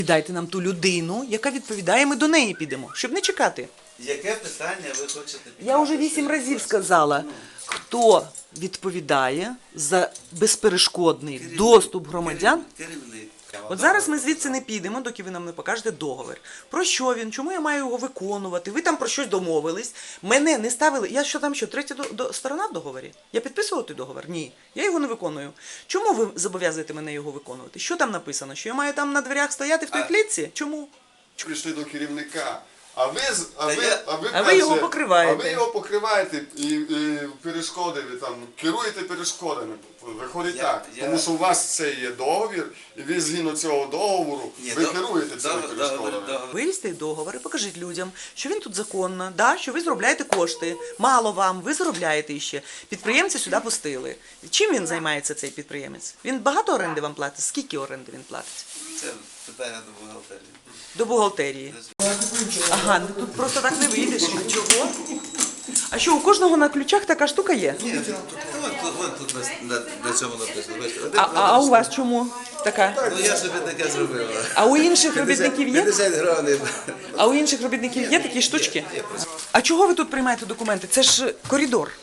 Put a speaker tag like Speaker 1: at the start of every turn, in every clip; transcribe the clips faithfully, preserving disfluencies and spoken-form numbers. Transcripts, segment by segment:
Speaker 1: Дайте нам ту людину, яка відповідає, ми до неї підемо, щоб не чекати.
Speaker 2: Яке питання ви хочете підняти?
Speaker 1: Я вже вісім разів сказала, хто відповідає за безперешкодний
Speaker 2: Керівник,
Speaker 1: доступ громадян.
Speaker 2: Керівник.
Speaker 1: От зараз ми звідси не підемо, доки ви нам не покажете договір. Про що він? Чому я маю його виконувати? Ви там про щось домовились. Мене не ставили. Я що там що, третя до, до, сторона в договорі? Я підписувала той договір? Ні. Я його не виконую. Чому ви зобов'язуєте мене його виконувати? Що там написано? Що я маю там на дверях стояти в той
Speaker 2: А...
Speaker 1: клітці? Чому?
Speaker 3: Прийшли до керівника. А ви, а ви,
Speaker 2: я...
Speaker 3: а ви,
Speaker 1: а ви його покриваєте.
Speaker 3: А ви його покриваєте і, і перешкоди, ви там керуєте перешкодами. Виходить
Speaker 2: Я-
Speaker 3: так.
Speaker 2: я-
Speaker 3: Тому що у вас це є договір, і ви згідно цього договору,
Speaker 2: Ні,
Speaker 3: ви
Speaker 2: до-
Speaker 3: керуєте цими
Speaker 2: договір-
Speaker 3: перешкодами.
Speaker 2: договір- договір.
Speaker 1: Вивізьте договор і покажіть людям, що він тут законно, да, що ви заробляєте кошти. Мало вам, ви заробляєте іще. Підприємця сюди пустили. Чим він займається, цей підприємець? Він багато оренди вам платить? Скільки оренди він платить?
Speaker 2: Це питання до бухгалтерії.
Speaker 1: До бухгалтерії. Ага, ну тут просто так не вийдеш. А чого? А що, у кожного на ключах така штука є?
Speaker 2: Ні, тут, вон, тут, вон, тут на, на, на цьому написано. Бачите, один
Speaker 1: А, а, а у вас чому така?
Speaker 2: Ну я собі таке зробила.
Speaker 1: А у інших робітників є?
Speaker 2: п'ятдесят гривень.
Speaker 1: А у інших робітників є такі штучки? А чого ви тут приймаєте документи? Це ж коридор.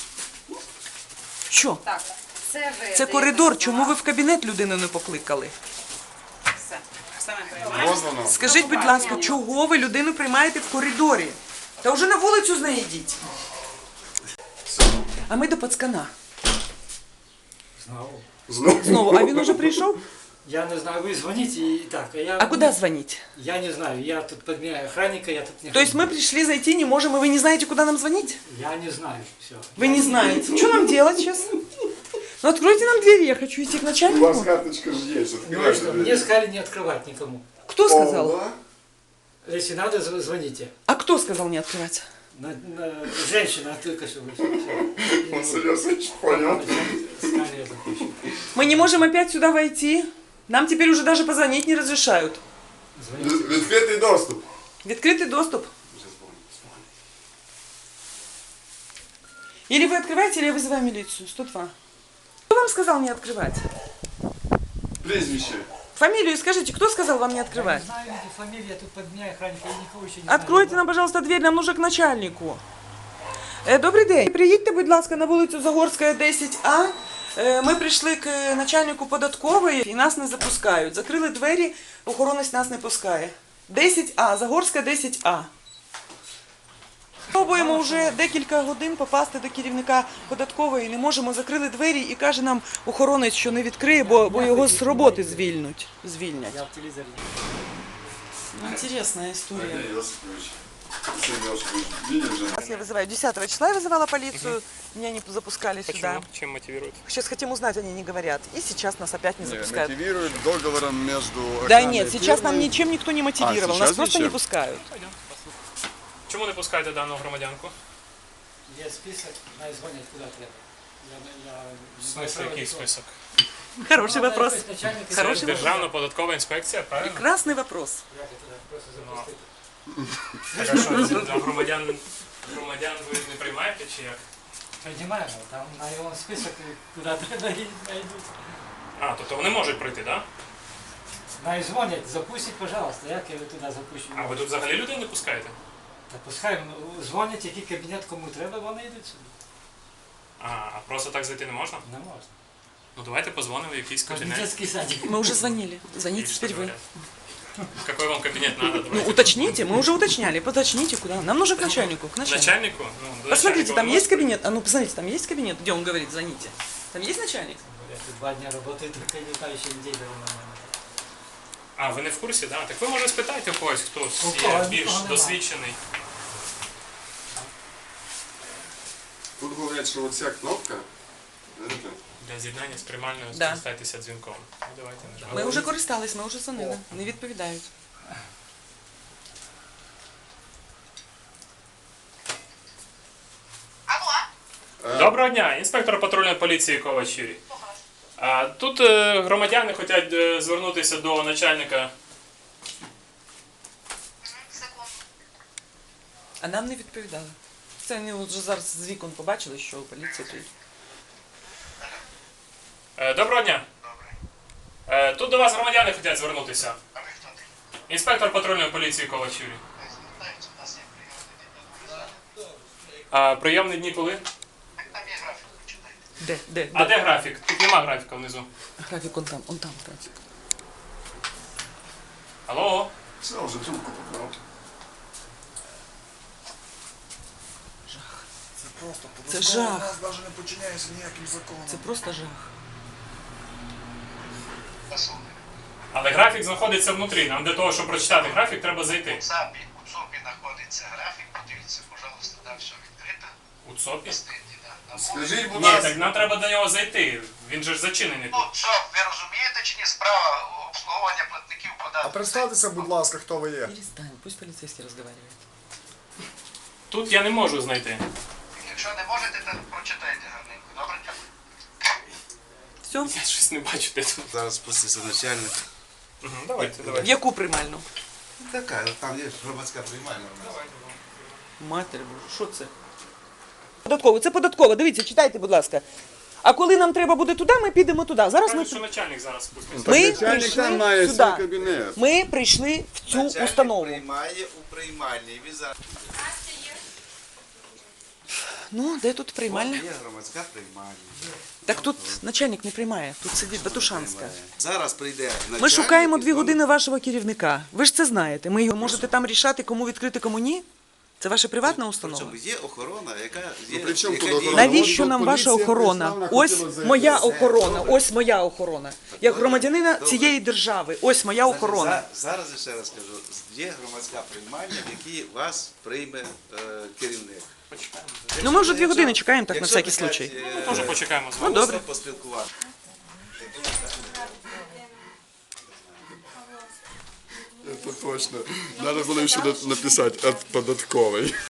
Speaker 1: Що?
Speaker 4: Так, це ви.
Speaker 1: Це коридор. Чому ви в кабінет людину не покликали?
Speaker 4: Все. Саме приймаємо.
Speaker 3: Роздано.
Speaker 1: Скажіть, будь ласка, чого ви людину приймаєте в коридорі? Та вже на вулицю з нею йдіть. А ми до пацкана.
Speaker 5: Знову.
Speaker 3: Знову.
Speaker 1: Знову, а він уже прийшов?
Speaker 5: Я не знаю, вы звоните и так, а я...
Speaker 1: А куда звонить?
Speaker 5: Я не знаю, я тут подменяю охранника, я тут не...
Speaker 1: То есть мы пришли зайти, не можем, и вы не знаете, куда нам звонить?
Speaker 5: Я не знаю, все.
Speaker 1: Вы не знаете. Что нам делать сейчас? Ну откройте нам двери, я хочу идти к
Speaker 3: У вас
Speaker 1: начальнику.
Speaker 3: карточка же есть.
Speaker 5: Говорю, что мне сказали не открывать никому.
Speaker 1: Кто сказал?
Speaker 3: Оба.
Speaker 5: Если надо, зв- звоните.
Speaker 1: А кто сказал не открывать?
Speaker 5: На, на- женщина только что вышла.
Speaker 3: Он серьезно понял.
Speaker 5: Сканер запущен.
Speaker 1: Мы не можем опять сюда войти. Нам теперь уже даже позвонить не разрешают.
Speaker 5: Звоните.
Speaker 3: Відкритий доступ.
Speaker 1: Открытый доступ. Или вы открываете, или я вызываю милицию. сто два. Кто вам сказал не открывать?
Speaker 3: Прізвище.
Speaker 1: Фамилию скажите, кто сказал вам не
Speaker 5: Я
Speaker 1: открывать?
Speaker 5: не знаю, эти фамилии, я тут подменяю охранника, я никого еще не
Speaker 1: Откройте нам,
Speaker 5: знаю.
Speaker 1: пожалуйста, дверь, нам нужно к начальнику. Е, Добрий день. Приїдьте, будь ласка, на вулицю Загорська, десять А. Е, Ми прийшли к начальнику податкової і нас не запускають. Закрили двері, охоронець нас не пускає. десять А, Загорська, десять А. Пробуємо вже декілька годин попасти до керівника податкової, не можемо, закрили двері і каже нам охоронець, що не відкриє, бо, бо його з роботи звільнуть. звільнять.
Speaker 5: Я в телевизоре.
Speaker 1: Інтересна історія.
Speaker 3: Йосипович. Сергей Йосипович, видел же?
Speaker 1: Сейчас я вызываю. десятого числа я вызывала полицию, меня не запускали сюда.
Speaker 6: Почему? Чем мотивируют?
Speaker 1: Сейчас хотим узнать, они не говорят. И сейчас нас опять не запускают.
Speaker 3: Мотивирует договором между
Speaker 1: Да
Speaker 3: охранной
Speaker 1: нет, сейчас нам
Speaker 3: фирмой.
Speaker 1: ничем никто не мотивировал,
Speaker 3: А,
Speaker 1: нас
Speaker 3: сейчас
Speaker 1: просто не
Speaker 3: ничем?
Speaker 1: пускают.
Speaker 6: Пойдем, послухаем. Чому не пускаєте дану громадянку?
Speaker 5: Есть список, надо звонить куда треба. Я, я,
Speaker 6: В смысле, який список?
Speaker 1: Хороший
Speaker 5: Ну,
Speaker 1: вопрос.
Speaker 5: якось начальник
Speaker 6: Це
Speaker 1: Хороший вопрос.
Speaker 6: Державна податкова інспекція, правильно?
Speaker 1: Прекрасный вопрос.
Speaker 5: Як я туди просто запустити?
Speaker 6: Так, а що, це для громадян, громадян ви не приймаєте чи як?
Speaker 5: Принимаем, там на его список куда-то найдут.
Speaker 6: А, тобто вони можуть прийти, так? Да?
Speaker 5: Най дзвонять, запустіть, пожалуйста, як я туди запущу?
Speaker 6: А ви тут взагалі людей не пускаєте?
Speaker 5: Та пускай ну, дзвонять, який кабінет кому треба, вони йдуть сюди.
Speaker 6: А, а просто так зайти не можна?
Speaker 5: Не можна.
Speaker 6: Ну давайте позвонимо в якийсь кабінет.
Speaker 5: Детский садик.
Speaker 1: Мы уже звонили.
Speaker 6: И
Speaker 1: Звоните
Speaker 6: что
Speaker 1: теперь вы.
Speaker 6: говорят? Какой вам кабинет надо?
Speaker 1: Ну,
Speaker 6: Давайте.
Speaker 1: уточните, мы уже уточняли. Уточните, куда. Нам нужно к начальнику. К начальнику.
Speaker 6: Начальнику? Ну, до
Speaker 1: Посмотрите,
Speaker 6: начальника
Speaker 1: там
Speaker 6: вы
Speaker 1: есть
Speaker 6: можете?
Speaker 1: кабинет? А ну, посмотрите, там есть кабинет, где он говорит, звоните. Там есть начальник?
Speaker 5: Я тут два дня работаю, только не знаю, ще неділю нормально.
Speaker 6: А, ви не в курсі, так? Да? Так ви може спитайте у когось, хто
Speaker 5: У
Speaker 6: є
Speaker 5: кого?
Speaker 6: більш
Speaker 5: Нікого нема.
Speaker 6: досвідчений.
Speaker 3: Тут говорять, що оця кнопка, знаєте,
Speaker 6: Для з'єднання з приймальною
Speaker 1: Да.
Speaker 6: скористайтеся дзвінком. Ну, давайте нажмемо.
Speaker 1: Ми вже користались, ми вже дзвонили. Не відповідають.
Speaker 6: Доброго дня, інспектор патрульної поліції Ковач Юрій. А, тут е, громадяни хочуть е, звернутися до начальника.
Speaker 1: А нам не відповідали. Це вони вже зараз з вікон побачили, що поліція тут.
Speaker 6: Е, доброго дня. Е, тут до вас громадяни хочуть звернутися. Інспектор патрульної поліції Ковач Юрій. А прийомні дні коли?
Speaker 1: Де? Де?
Speaker 6: А де графік? Тут нема графіка внизу.
Speaker 1: Графік он там, он там графік.
Speaker 6: Алло?
Speaker 3: Все, вже трубку побрав.
Speaker 1: Це жах.
Speaker 7: Нас навіть не починяється ніяким законом.
Speaker 1: Це просто жах.
Speaker 6: Але графік знаходиться внутрі. Нам для того, щоб прочитати графік, треба зайти.
Speaker 7: ЦАПі, у ЦОПі знаходиться графік, подивіться, пожалуйста, там все відкрито.
Speaker 6: У ЦОПі?
Speaker 7: Стенді, да. На
Speaker 3: Скажіть, будь
Speaker 6: Ні,
Speaker 3: ласка,
Speaker 6: так нам треба до нього зайти. Він же ж зачинений
Speaker 7: Ну,
Speaker 6: тут.
Speaker 7: ЦОП, ви розумієте чи ні, справа обслуговування платників податків?
Speaker 8: А представтеся, будь ласка, хто ви є.
Speaker 1: Перестань, пусть поліцейський розмовляє.
Speaker 6: Тут я не можу знайти.
Speaker 7: Якщо не можете, то прочитайте гарненько. Добре, дякую.
Speaker 1: Все?
Speaker 6: Я щось не бачу, де тут.
Speaker 2: Зараз спуститься начальник.
Speaker 6: Угу, давайте,
Speaker 1: В
Speaker 6: давайте.
Speaker 1: яку приймальну?
Speaker 2: Така, там є громадська приймальна.
Speaker 1: Матері Божа, що це? Податково, це податково. Дивіться, читайте, будь ласка. А коли нам треба буде туди, ми підемо туди. Зараз ми,
Speaker 6: Кажуть, що начальник зараз спуститься.
Speaker 1: ми
Speaker 3: начальник там має
Speaker 1: прийшли
Speaker 3: свій
Speaker 1: сюди.
Speaker 3: кабінет.
Speaker 1: Ми прийшли в цю
Speaker 2: Начальник
Speaker 1: установу.
Speaker 2: приймає у приймальній. Він зараз
Speaker 1: Ну, де тут приймальня?
Speaker 2: є громадська приймальня.
Speaker 1: Так тут начальник не приймає, тут сидить Батушанська.
Speaker 2: Зараз прийде начальник.
Speaker 1: Ми шукаємо
Speaker 2: і
Speaker 1: дві
Speaker 2: знову-
Speaker 1: години вашого керівника. Ви ж це знаєте. Ми його можете там рішати, кому відкрити, кому ні. Це ваша приватна установа.
Speaker 2: Причому є охорона, яка є.
Speaker 3: при чому
Speaker 2: яка
Speaker 3: тут
Speaker 2: діє-
Speaker 3: охорона?
Speaker 1: Навіщо
Speaker 3: От
Speaker 1: нам ваша
Speaker 3: поліція
Speaker 1: охорона?
Speaker 3: прийшла,
Speaker 1: Ось
Speaker 3: хотіла зайти.
Speaker 1: моя
Speaker 2: Все,
Speaker 1: охорона,
Speaker 2: добре.
Speaker 1: ось моя охорона. Як громадянина
Speaker 2: Добре.
Speaker 1: цієї держави, ось моя
Speaker 2: Значить,
Speaker 1: охорона.
Speaker 2: за- Зараз я ще раз кажу, є громадська приймальня, в якій вас прийме е, керівник.
Speaker 6: Почекаємо.
Speaker 1: Ну ми вже дві
Speaker 2: Якщо-
Speaker 1: години чекаємо так на
Speaker 2: якщо
Speaker 1: всякий
Speaker 2: таке,
Speaker 1: случай.
Speaker 2: е,
Speaker 6: Теж почекаємо з
Speaker 1: Ну
Speaker 6: вами.
Speaker 1: добре.
Speaker 2: поспілкувати.
Speaker 3: Це точно. Треба було ще написати «от податковий».